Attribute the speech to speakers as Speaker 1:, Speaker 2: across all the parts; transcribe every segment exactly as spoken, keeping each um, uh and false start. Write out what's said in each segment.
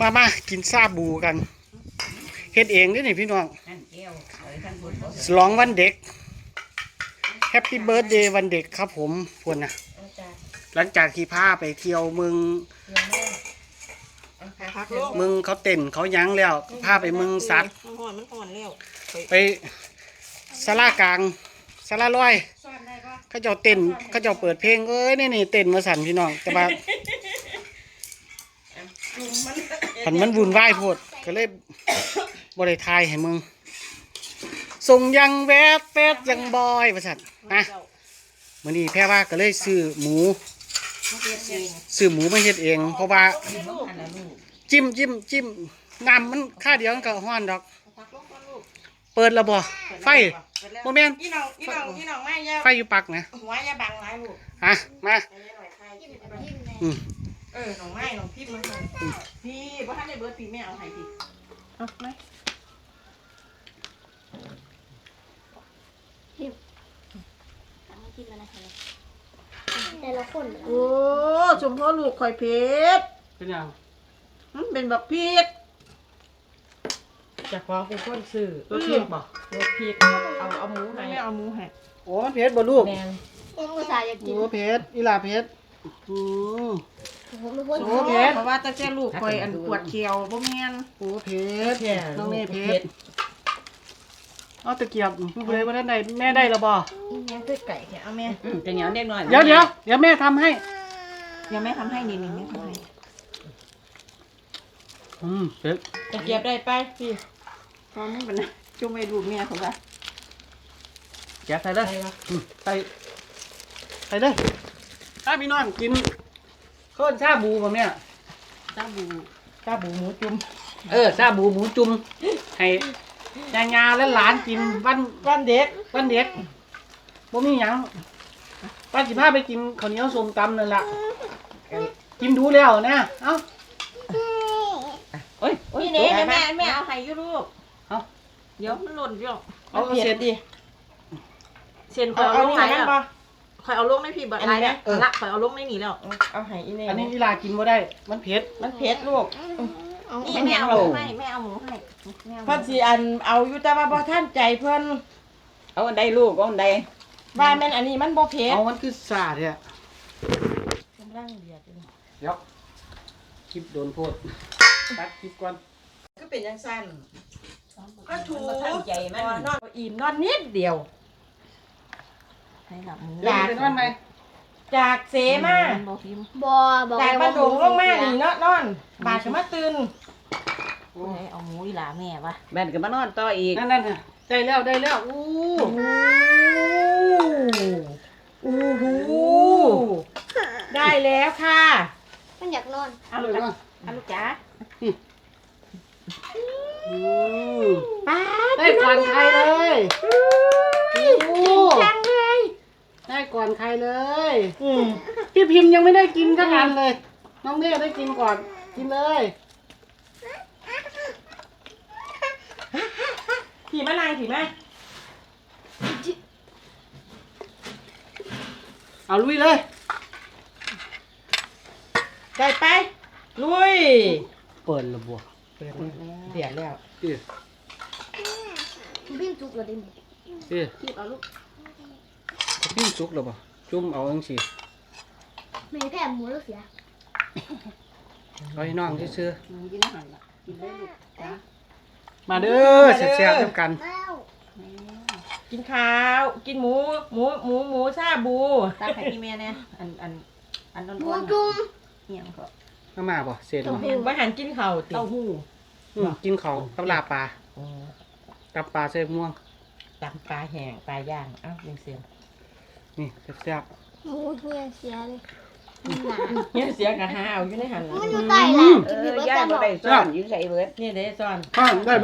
Speaker 1: มามากินซาบูกันเฮ็ดเองด้วยนี่พี่น้องฉลองวันเด็กแฮปปี้เบิร์ธเดย์วันเด็กครับผมพวกนะหลังจากที่พาไปเที่ยวเมืองเมืองเขาเต้นเขายั้งแล้วพาไปเมืองสัตว์ไปศาลากลางศาลาลอยเขาเจ้าเต้นเขาเจ้าเปิดเพลงเอ้ยนี่นี่เต้นมาสั่นพี่น้องแต่ว่าผันมันวุ่นวายโพดก็เลยบริทายให้มึงส่งยังแวดแวดยังบอยประสันนะมื้อนี้แพ่ว่าก็เลยซื้อหมูซื้อหมูมาเฮ็ดเองเพราะว่าจิ้มจิ้มจิ้มน้ำมันค่าเดียวมันก็ฮ้อนดอกเปิดระบ่ไฟโมเมนต์ไฟอยู่ปักนะหัวยาบังหลายลูกฮะมาอืม
Speaker 2: เออหนองไม้หนองพิษมันพี่บ่ทันได้เบิดพี่แม่เอาให้พี่เอาไหม
Speaker 3: แต่ละคน
Speaker 2: โอ้ชมพ่อลูกข่อยเพชร
Speaker 1: เป็นยัง
Speaker 2: มันเป็นแบบพริกจะขอเป็นคนซื้อรถพริกบ่รถพริกเอาเอาหมูให้แม่เอาหมูให้
Speaker 1: โอ้เพชรบ่ลูก
Speaker 2: แม่
Speaker 3: ยังอุตส่าห์อยากกิน
Speaker 1: โอ้เพชรอีหลาเพชรอือ
Speaker 2: โอ้เพชรเพราะว่าตั้งแต่ลูกข่อยอันปวดเขียวบ่แม่น
Speaker 1: โอ้เพชรน้องแม่เพชรเอาตะเกียบผู้ใดบ่ได้ได้แม่ได้แล้วบ่
Speaker 2: ยังคือไก่แค่เอาแม่
Speaker 4: จะเหนียวเล็กน้อย
Speaker 1: เดี๋ยวเดี๋ยวเดี๋ยวแม่ทำให้
Speaker 2: ยังไม่ทำให้นี่นี่ไม่ทำให้
Speaker 1: อืมเพชร
Speaker 2: ตะเกียบได้ไปพี่ตอนนี้เป็นจุ่มให้ลูกเมียเขาว่า
Speaker 1: แกะใส่เลยใส่ใส่เลยถ้าพี่น้องกินข้าวชาบูป่ะเนี่ย
Speaker 2: ชาบูชาบูหมูจุ่ม
Speaker 1: เออชาบูหมูจุ่มให้ยายาและหลานกินวัน
Speaker 2: วันเด็ก
Speaker 1: วันเด็กบ่มีหยังป้าสิพาไปกินข้าวเหนียวส้มตำนั่นแหละกินดูแล้วนะเอ้า
Speaker 2: โอ้ยนี่เน่แม่แม่เอาให้ยูลูกเอาเดี๋ยวมันหล่นพี่หรอก
Speaker 1: เอาเสร็จดิ
Speaker 2: เส้นคอยเอาลงไหนอ่ะคอยเอาลงในพี่แบบไรเนี่ยละคอยเอาลงในนี่แล้วเอาให้อีเน่
Speaker 1: อันนี้อีลากินบ่ได้มันเผ็ด
Speaker 2: มันเผ็ดลูกนี่แม่เอาหมูให้แม่เอาหมูให้เพื่อนสิอันเอาอยู่แต่ว่าพอท่านใจเพื่อน
Speaker 4: เอาอันใดลูกเอาอันใด
Speaker 2: ว่าแม่นอันนี้มันบ่เผ็ด
Speaker 1: เอามันคือสาดเนี่ย
Speaker 2: กำลังเดือดเลย
Speaker 1: เดี๋ยวคลิปโดนโพดตัดคลิปก่อน
Speaker 2: ก็เป็นยังสั้นก็ถูก
Speaker 4: ใจมัน
Speaker 2: นอนอิ่มนอนนิดเดียวให้หลับมือ
Speaker 1: จากนอนไหม
Speaker 2: จากเสมา
Speaker 3: บ่บ่
Speaker 2: จากบ้านดงลงมาหนีนอนนอนบาดจะมาตื่นเอาหมูอีหลาแม่วะ
Speaker 4: แม่ก็มานอนต่ออีก
Speaker 1: นั่นนั่นได้แล้วได้แล้วอู้
Speaker 2: อู้หูได้แล้วค่ะ
Speaker 3: มันอยากนอน
Speaker 2: เอาลูกจ้าเอาลูกจ้า
Speaker 1: ป้าได้ก่อนใครเลย
Speaker 2: จังเลย
Speaker 1: ได้ก่อนใครเลยพี่พิมพ์ยังไม่ได้กินก็ทันเลยน้องเน่ได้กินก่อนกินเลย
Speaker 2: ผีมะนางผีมะ
Speaker 1: เอาลุยเลย
Speaker 2: ได้ไปลุย
Speaker 1: เปิดระบบ
Speaker 2: เปิดเดือดแล้ว
Speaker 1: พี่
Speaker 3: พี่จุกเลยดิ
Speaker 1: พี่
Speaker 3: พี่เอาลูก
Speaker 1: พี่จุกหรือเปล่าจุ่มเอาจังสิ
Speaker 3: ไม่แพ้หมูแล้วเสีย
Speaker 1: เอาให้น้องซื้อ
Speaker 2: กินอาหารกินได้ลูกจ้า
Speaker 1: มาเด้อแซ่บๆด้วยกัน
Speaker 2: กินข้าวกินหมูหมูหมูหมูชาบูตักให้พี่แม่เนี่ยอันอันอันนอนๆหมูจุ่มเหี่ยงก็
Speaker 1: มามาบ่เสร็จ
Speaker 2: บ่บ่หันกินข้าวติเต้าหู้
Speaker 1: กินข้าวกับลาปลากับปลาใส่ม่วง
Speaker 2: ตำปลาแห้งปลาย่างอ้าวยังเสีย
Speaker 1: นี่แซ่บ
Speaker 3: ๆหมูเหี้ยเสียเลย
Speaker 2: เหี้ยเสียกะหาเอาอยู่ในหัน
Speaker 3: มันอยู่ใต้ล่ะ
Speaker 4: เออย่าบ่ได้ซ่อนอยู่ใส่เบิด
Speaker 2: นี่เด้ซ่อน
Speaker 1: ซ่อนได้บ่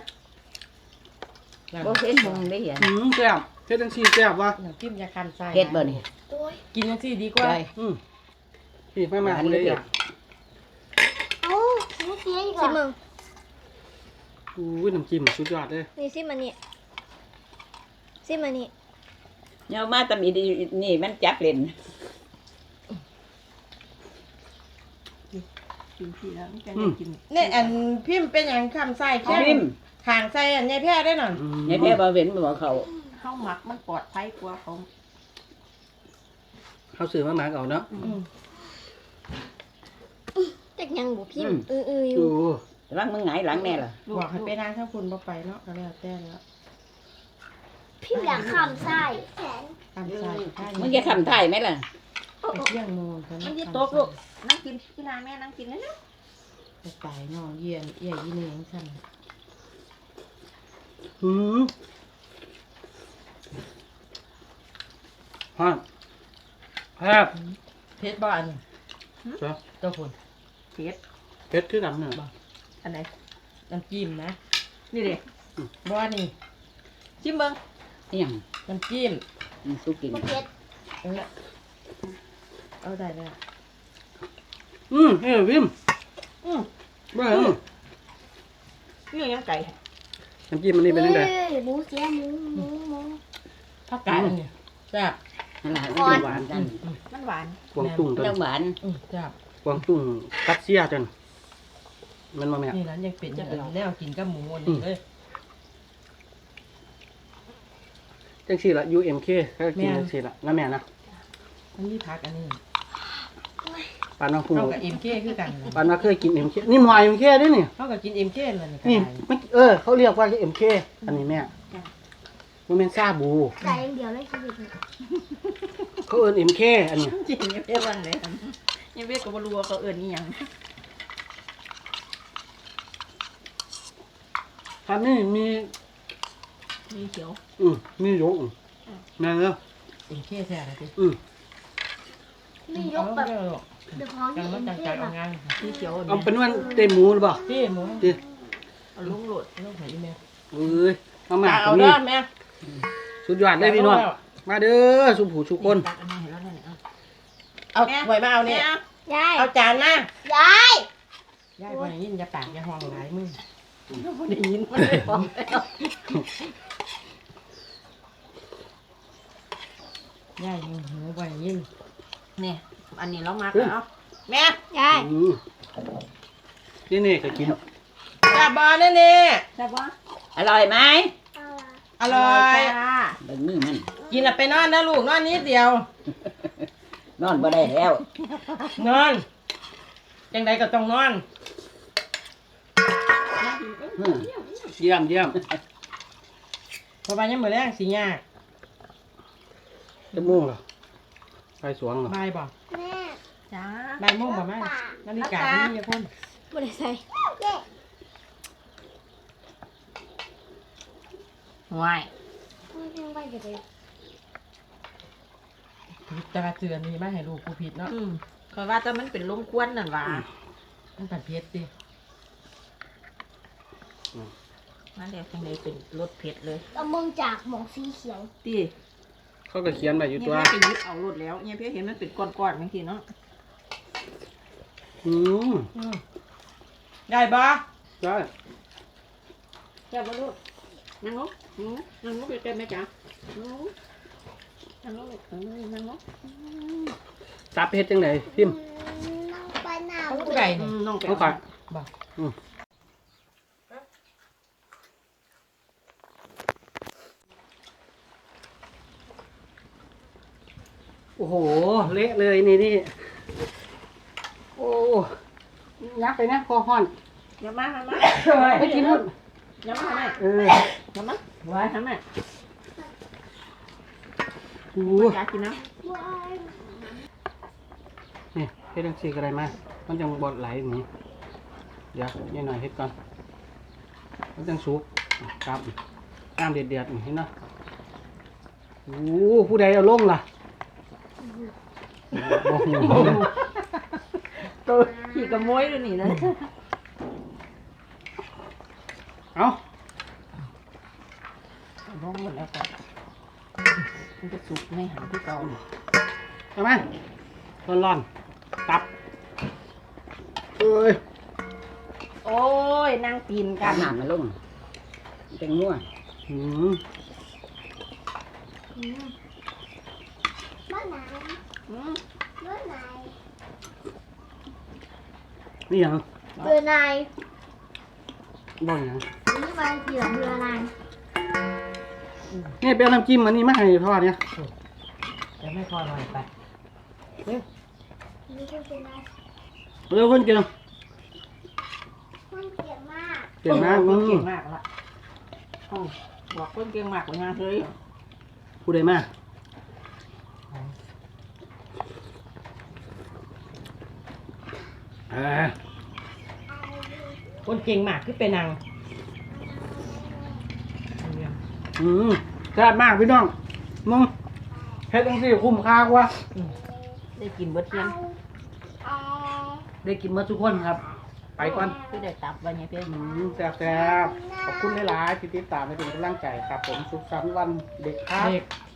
Speaker 4: บ่เฮ็ดหงได้เห็น
Speaker 1: อืมแซ่บเฮ็ดจังซี่แซ่บวะ
Speaker 2: น้ำจิ้มยาคันใส่
Speaker 4: เฮ็ดบ่นี่
Speaker 2: กินจังซี่ดีกว่า
Speaker 1: อืมพี่ไม่มาเลยอ่ะ
Speaker 3: เอ้าหมูเสียอีกเหรอ
Speaker 1: อู้ยน้ำจิ้มสุดยอดเลย
Speaker 3: นี่ซิมันนี่ซิมันนี่
Speaker 4: เนามาตำอีนี่มันจับเล่น
Speaker 2: กินพี่แล้วมันจะได้กินเนี่ยอันพิมพ์เป็นอย่างคำไส้แค่
Speaker 4: พิมพ์
Speaker 2: ห่างไส้อันยายแพ้ได้หน่อย
Speaker 4: ยายแพ้บ่เว้นบ่เขา
Speaker 2: ข้าวหมักมันปลอดภัยกว่าเขา
Speaker 1: เขาซื้อมาหมักเอาเนาะ
Speaker 2: อืม
Speaker 3: จักยังบ่พิมพ์เออเอออยู่
Speaker 1: โอ้
Speaker 4: ระวังมึงหงายหลังแน่ล่ะ
Speaker 2: บอกให้ไปนางถ้าคุณบ่ไปเนาะก็แล้วแต่แล้ว
Speaker 3: พิมพ์อย่างข้ามไส้แขน
Speaker 2: คำไส้ใช่
Speaker 4: มึงจะทำท่ายไหมล่ะ
Speaker 2: ไปเที่ยงโมงกัน
Speaker 5: มันยี่โต๊ะลูกนั่งกินที่ร้านแม่นั่งกินนะนะ
Speaker 2: ไปตายเนาะเยี่ยนเอี่ยยี่นี่ยังสั่น
Speaker 1: หืมฮะครับ
Speaker 2: เพชรบ้าน
Speaker 1: จ้ะ
Speaker 2: เจ้าคน
Speaker 5: เผ็ด
Speaker 1: เพชรคือกันเนี่ย
Speaker 5: อันไหน
Speaker 2: น้ำจิ้มนะ
Speaker 5: นี่เด็
Speaker 2: บ้านนี่
Speaker 5: ชิมเบิ้ง
Speaker 4: นี่หยัง
Speaker 2: น้ำจิ้ม
Speaker 4: มึงสู้กิน
Speaker 3: บ่เผ็ด
Speaker 2: เออเอาได้แล้ว
Speaker 1: อืมเอ้ยวิม
Speaker 5: อืม
Speaker 1: บ้าเหรอ
Speaker 5: นี่ยังไก่
Speaker 1: น้ำจิ้มมันนี่เป็นยังไง
Speaker 3: เอ้ยหมูเสียหมูหมูหมู
Speaker 2: ผักกาดอันเนี่ยแซ่บ
Speaker 4: นั่นล่ะมันจะหวานกัน
Speaker 5: มันหวาน
Speaker 1: กวางตุ้งตัว
Speaker 4: ต้องหวาน
Speaker 2: อืมแซ่บ
Speaker 1: กวางตุ้งกัดเสียจนมันมาแม่
Speaker 2: นี่นั้นยังเป็นอย่างแนวกินกับหมูอันนี้เลย
Speaker 1: จังสี่ละ ยู เอ็ม เค ก็กินจังสี่ละนะแม่นะ
Speaker 2: มันมีผักอันนี้
Speaker 1: ปานน้องพุง
Speaker 2: เข้ากับเอ็มเคคือกันนะ
Speaker 1: ปานมาเคยกิน เอ็ม เค นี่หมอ เอ็ม เค ด้วยนี่
Speaker 2: เข้ากับกินเอ็มเคเลยนี่
Speaker 1: นี่
Speaker 2: ก็ได้
Speaker 1: ไม่เออ เขาเรียกว่า เอ็ม เค อันนี้แม่มันเป็นซาบู
Speaker 3: ไก่อย่างเดียวเลยชีวิตนี้
Speaker 1: เขาเอิ้น เอ็ม เค อันนี้
Speaker 5: จริงยังเรียกว่าอะไรยังเรียกกับบรัวเขาเอิญนี่ยัง
Speaker 1: อันนี้มี
Speaker 5: มีเขียว
Speaker 1: อืมมียกอืมแม่เนาะ
Speaker 2: เอ็มเคแท้เลยสิ
Speaker 1: อืม
Speaker 3: มียกแบบเดือดร้อน
Speaker 2: จั
Speaker 3: ที่
Speaker 2: ง
Speaker 3: เอ็
Speaker 2: มัน
Speaker 3: ม
Speaker 2: จัง
Speaker 3: เค
Speaker 2: ใจเอา
Speaker 3: แบบ
Speaker 2: งาน
Speaker 5: มีเขียว
Speaker 1: เอาเป็นว่าเต็มหมูหรือเปล่า
Speaker 2: พี่หมู
Speaker 1: ดิ
Speaker 5: เอาลุงโหลด
Speaker 2: ลูกหอยอีเมล
Speaker 1: เอ้ยมามา
Speaker 2: เอา
Speaker 1: ตรง
Speaker 2: เด้
Speaker 1: นี้
Speaker 2: อแม่
Speaker 1: สุดยอดเลยพี่น้องมาเด้อสุผูสุคน
Speaker 5: ตักอันนี้เห็นแล้วเนี่ยเอา
Speaker 2: เอาหอยมาเอาเนี่ย
Speaker 3: ยาย
Speaker 2: เอาจานมาย
Speaker 3: าย
Speaker 2: ยายวันนี้อย่าปากอย่าห้องหลายมือ
Speaker 5: ได้ยินมันเลยบอก
Speaker 2: ยายยิงหูวันนี้
Speaker 5: เนี่ยอันนี้เรามักแล้วแม่
Speaker 3: ยาย
Speaker 1: อืมนี่นี่ก็กิน
Speaker 2: จับบอลนี่นี่
Speaker 5: ใช่ปะ
Speaker 4: อร่อยไหม
Speaker 2: อร่อย
Speaker 5: จ้า
Speaker 4: เบิ่งมือมัน
Speaker 2: กินแล้วไปนอนนะลูกนอนนิดเดียว
Speaker 4: นอนบ่ได้แล้ว
Speaker 2: นอนจังใดก็ต้องนอน
Speaker 1: อืมเยี่ยมเยี่ยม
Speaker 2: เพราะว่ายังมือแรงสิยาก
Speaker 1: จะม่วงเหรอไปสวงเหรอ
Speaker 2: บายบ่
Speaker 3: แม่
Speaker 5: จ้า
Speaker 2: บายโมงบ่แม่นาฬิกาไม่มีคน
Speaker 3: บ่ได้ใส่
Speaker 5: ห่วย
Speaker 3: ไม่ต้องไปเดี๋ยวไป
Speaker 2: ผิดแต่ว่าเตือนนี่มาให้ลูกกูผิดเนาะ
Speaker 5: อืมคอยว่าแต่มันเป็นลมควนนั่นว่า
Speaker 2: มันตัดเพชรดิ
Speaker 5: นั่นแหละจังเลยเป็นรสเผ็ดเลย
Speaker 3: เอามึงจากหมองสีเขียว
Speaker 5: ตี
Speaker 1: เขาก็เขียนไว้อยู่
Speaker 5: เนี่ย
Speaker 1: ตัว
Speaker 5: เพี่ไปยึดเอารถแล้วเนี่ยเพี่เห็นมันเป็นก้อนๆบางทีเนาะ
Speaker 1: อืม
Speaker 2: อืมได้บ่
Speaker 1: ได้
Speaker 5: เจ้าบ่ลูกนั่งลงนั่งลงใกล้ๆแม่จ๋านั่งลงนั่งลงเออนั่งลง
Speaker 1: ตับเพชรจังไหนพิมพ์
Speaker 3: น้องไปหนาว
Speaker 2: เขาผู้ใด
Speaker 5: อื
Speaker 2: นี่
Speaker 5: มน้องไป
Speaker 1: เขาขาย
Speaker 2: บ่
Speaker 1: อืมโอ้โห เละเลยนี่นี่โอ้ยักไปนะคอห้อน
Speaker 5: อย่ามาทำไม
Speaker 1: ไม่กินนู่น
Speaker 5: อย่ามาทำไม
Speaker 1: เออ
Speaker 5: อย่ามาไว้ทำไม
Speaker 1: โอ้
Speaker 5: อยากกินนะ
Speaker 1: นี่เฮ็ดจังซี่ก็ได้มามันจังบ่ไหลอย่างนี้เดี๋ยวนิดหน่อยเฮ็ดก่อนมันจังสุกครับน้ำเดือดๆนี่เห็นเนาะโอ้ผู้ใดเอาลงล่ะบ่ฮู้
Speaker 5: ตัวขี่กระโมยด้วยนี่นะ
Speaker 1: เอา
Speaker 5: ร้องหมดแล้วก็มันจะสุกไม่หันที่เก่า
Speaker 1: เอามาร้อนๆตับเอ้ย
Speaker 5: โอ้ยนั่งตีนกั
Speaker 4: กาน รน้ำมันลงจังนัว
Speaker 1: หืม
Speaker 3: บ้านไหน
Speaker 5: อืม
Speaker 3: บ้านไหน
Speaker 1: นี่หยัง
Speaker 3: เบื่อนาย
Speaker 1: บ่หยัง
Speaker 3: นี่มาเกี่ยวเบื่อนาย
Speaker 1: นี่ไปเอาน้ำจิ้มอันนี้มาให้พ่อเนี่ย
Speaker 2: จะไม่พอหน่อยไป
Speaker 3: นี่ก็เป็นนาย
Speaker 1: เร็วคนเก่ง
Speaker 3: คนเก่งมาก
Speaker 1: เก่งมาก
Speaker 2: ค
Speaker 1: มึ
Speaker 2: น
Speaker 1: ง
Speaker 2: เก่งมากละอ้าวบอกคนเก่งมากกว่างานเลย
Speaker 1: ผู้ใดมาเออ
Speaker 2: คนเก่งมากคือเป็นนาง
Speaker 1: อืมแซ่บมากพี่น้องมึงเฮ็ดจังซี่คุ้มค่ากว่า
Speaker 2: ได้กินเบิดเทียน
Speaker 3: เอา
Speaker 1: ได้กินมาทุกคนครับ ไปก่อน
Speaker 2: คือได้ตับไว้เนี่ยเพื่อน
Speaker 1: อืมแซ่บๆขอบคุณหลายๆที่ติดตามและเป็นกำลังใจครับ ผมสุขสันต์วันเด็กครับ
Speaker 2: เด็ก